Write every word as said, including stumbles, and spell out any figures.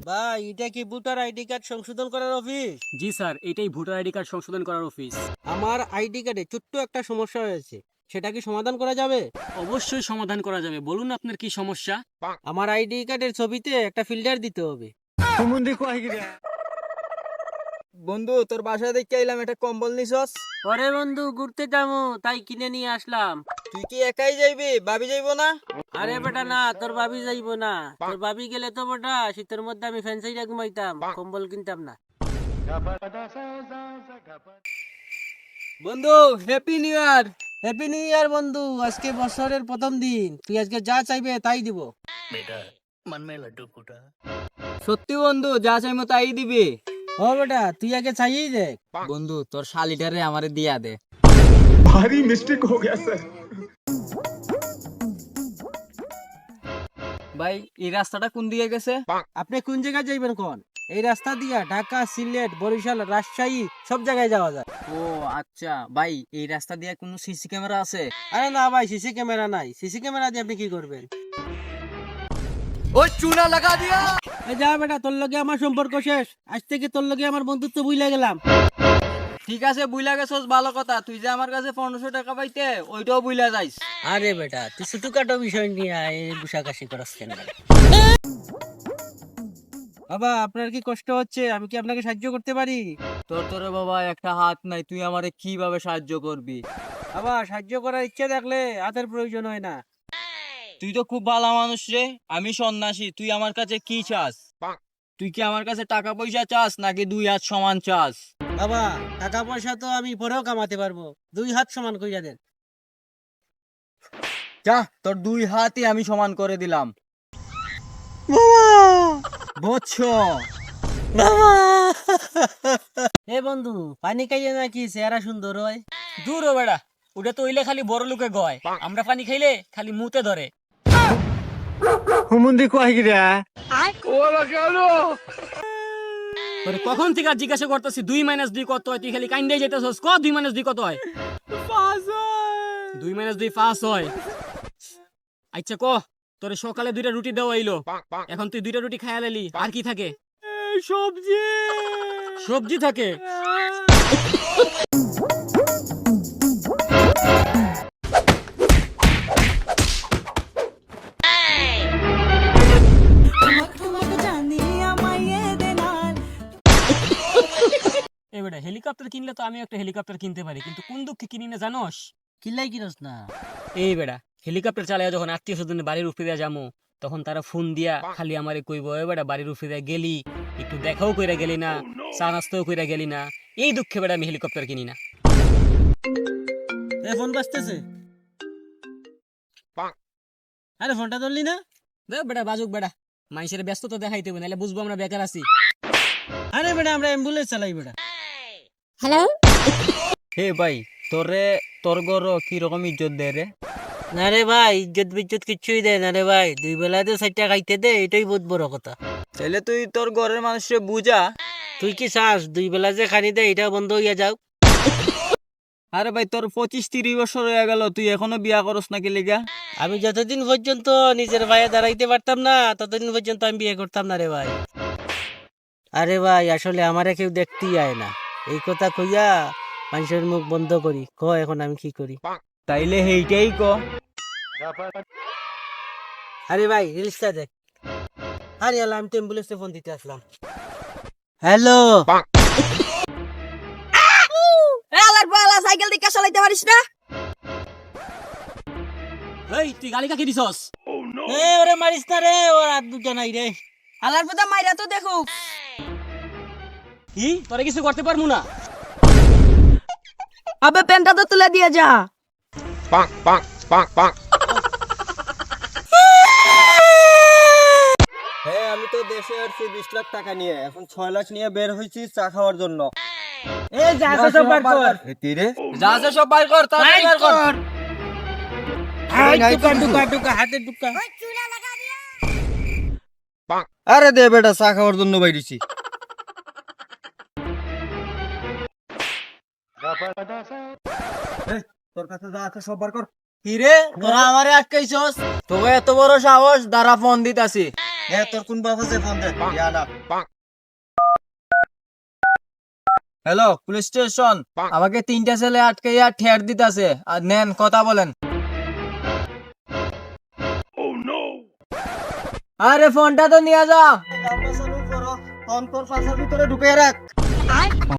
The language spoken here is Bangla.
ভাই এটা কি ভোটার আইডি কার্ড সংশোধন করার অফিস? জি স্যার, এটাই ভোটার আইডি কার্ড সংশোধন করার অফিস। আমার আইডি কার্ডে ছোট্ট একটা সমস্যা হয়েছে, সেটা কি সমাধান করা যাবে? অবশ্যই সমাধান করা যাবে, বলুন আপনার কি সমস্যা। আমার আইডি কার্ডের ছবিতে একটা ফিল্টার দিতে হবে। বন্ধু তোর বাসায় দেখে এলাম একটা কম্বল নিছস। পরে বন্ধু ঘুরতে যাবো তাই কিনে নিয়ে আসলাম। তুই কি একাই যাইবি, ভাবি যাইবো না? আরে বেটা না, তোর ভাবি যাইবো না। তোর ভাবি গেলে তো বেটা শীতের মধ্যে আমি ফ্যান্সাইটা ঘুমাইতাম, কম্বল কিনতাম না। বন্ধু happy new year. Happy new year বন্ধু, আজকে বছরের প্রথম দিন, তুই আজকে যা চাইবে তাই দিব। সত্যি বন্ধু, যা চাইমো তাই দিবি। ও বেটা তুই আগে চাইয়েই দেখ। বন্ধু তোর শালিটারে আমারে দিয়া দে। भारी मिस्टेक हो गया सर। ভাই এই রাস্তাটা কোন দিকে গেছে? আপনি কোন জায়গায় যাইবেন কোন? এই রাস্তা দিয়া ঢাকা, সিলেট, বরিশাল, রাজশাহী সব জায়গায় যাওয়া যায়। ও আচ্ছা ভাই, এই রাস্তা দিয়ে কোনো সিসি ক্যামেরা আছে? আরে না ভাই, সিসি ক্যামেরা নাই। সিসি ক্যামেরা দিয়ে আপনি কি করবেন? ওই চুনা লাগা দিয়া। এই যা বেটা, তোর লগে আমার সম্পর্ক শেষ। আজ থেকে তোর লগে আমার বন্ধুত্ব ভুলে গেলাম। ঠিক আছে বুইলা গেছস, ভালো কথা। তুই যে আমার কাছে পনেরোশো টাকা পাইতে, ওইটাও বুইলা যাইস। আরে বেটা তুই ছোটখাটো বিষয় নিয়ে এই বুসাকাশি করাস কেন? বাবা আপনার কি কষ্ট হচ্ছে? আমি কি আপনাকে সাহায্য করতে পারি? তোর তোরে বাবা একটা হাত নাই, তুই আমারে কিভাবে সাহায্য করবি? বাবা সাহায্য করার ইচ্ছে থাকলে হাতের প্রয়োজন হয় না। তুই তো খুব ভালো মানুষ রে। আমি সন্ন্যাসী, তুই আমার কাছে কি চাস? তুই কি আমার কাছে টাকা পয়সা চাস নাকি দুই হাত সমান চাস? বাবা টাকা পয়সা তো আমি পরেও কামাতে পারবো, দুই হাত সমান কইরা দেন। যা, তোর দুই হাতই আমি সমান করে দিলাম। বৎস এ বন্ধু পানি খাইয়ে নাকি চেহারা সুন্দর হয়? দূর ও বেড়া, ওটা তো হইলে খালি বড় লোকে গয়, আমরা পানি খাইলে খালি মুতে ধরে। হুমুন্দি কয় গিরা? তোরে কখন থেকে আর জিজ্ঞাসা করতেছি দুই মাইনাস দুই কত হয়, তুই খালি কাইন্দাই যাইতেছস। ক দুই মাইনাস দুই কত হয়? দুই মাইনাস দুই পাঁচ হয়। আচ্ছা ক, তোরে সকালে দুইটা রুটি দেওয়া হইলো, এখন তুই দুইটা রুটি খাইয়া লাইলি, আর কি থাকে? সবজি। সবজি থাকে। এই বেটা হেলিকপ্টার কিনলে তো আমি একটা হেলিকপ্টার কিনতে পারি, কিন্তু কোন দুঃখে কিনি না জানোস? কিল্লাই কিনস না? এই বেটা হেলিকপ্টার চালাইয়া যখন আত্মীয় স্বজনের বাড়ির উপরে দিয়া যামু, তখন তারা ফোন দিয়া খালি আমারে কইব, এ বেটা বাড়ির উপরে দিয়া গেলি, একটু দেখাও কইরা গেলি না, চা নাস্তাও কইরা গেলি না। এই দুঃখে বেটা আমি হেলিকপ্টার কিনি না। এ ফোন বাজতেছে। আরে ফোনটা ধরলি না? দে বেটা বাজুক বেটা, মানুষের ব্যস্ত তো দেখাইতে হবে, নাহলে বুঝবো আমরা বেকার আছি। আরে বেটা আমরা অ্যাম্বুলেন্স চালাই বেটা। হে ভাই, তোরে তোর গর কি রকম ইজ্জত দে রে? না রে ভাই, ইজ্জত বিজ্জত কিচ্ছুই দেয় না রে ভাই, দুই বেলাতে চারটা খাইতে দে, এটাই বহুত বড় কথা। তাহলে তুই তোর ঘরের মানুষকে বুঝা। তুই কি চাস দুই বেলা যে খানি দে এটা বন্ধ হইয়া যাও? আরে ভাই তোর পঁচিশ তিরিশ বছর হয়ে গেল, তুই এখনো বিয়া করস নাকি লিগা? আমি যতদিন পর্যন্ত নিজের ভাইয়ে দাঁড়াইতে পারতাম না ততদিন পর্যন্ত আমি বিয়ে করতাম না রে ভাই। আরে ভাই আসলে আমারে কেউ দেখতেই আয় না, এই কথা কইয়া মানুষের মুখ বন্ধ করি। ক এখন আমি কি করি? তাইলে হেইটাই ক। আরে ভাই রিলসটা দেখ। আরে আল্লাহ, আমি তো অ্যাম্বুলেন্সে ফোন দিতে আসলাম। হ্যালো। আলার বালা সাইকেল দিকে চালাইতে পারিস না? এই তুই গালি কাকে দিছস? এ ওরে মারিস না রে, ওর হাত দুটো নাই রে। আলার পুতা মাইরা তো দেখো। কি তোরে কিছু করতে পারমু না? আবে পেনটা তো তুলে দিয়ে যা। হ্যাঁ আমি তো দেশে আসছি বিশ লাখ টাকা নিয়ে, এখন ছয় লাখ নিয়ে বের হয়েছি চা খাওয়ার জন্য। এ যা আছে সব বার কর। যা আছে সব বাইর কর, তাড়াতাড়ি বের কর। হাই টুকা টুকা টুকা হাতে টুকা। আরে দে বেটা, চা খাওয়ার জন্য বাইরেছি। তোর কাছে যা আছে সব বার কর। কি রে তোরা আমারে আটকাইছস? তোকে এত বড় সাহস, দাঁড়া ফোন দিতাছি। এ তোর কোন বাপ আছে ফোন দে ইয়ালা হ্যালো পুলিশ স্টেশন আমাকে তিনটা ছেলে আটকাইয়া ঠের দিতাছে আর নেন কথা বলেন আরে ফোনটা তো নিয়ে যা ফোন তোর পাশার ভিতরে ঢুকে রাখ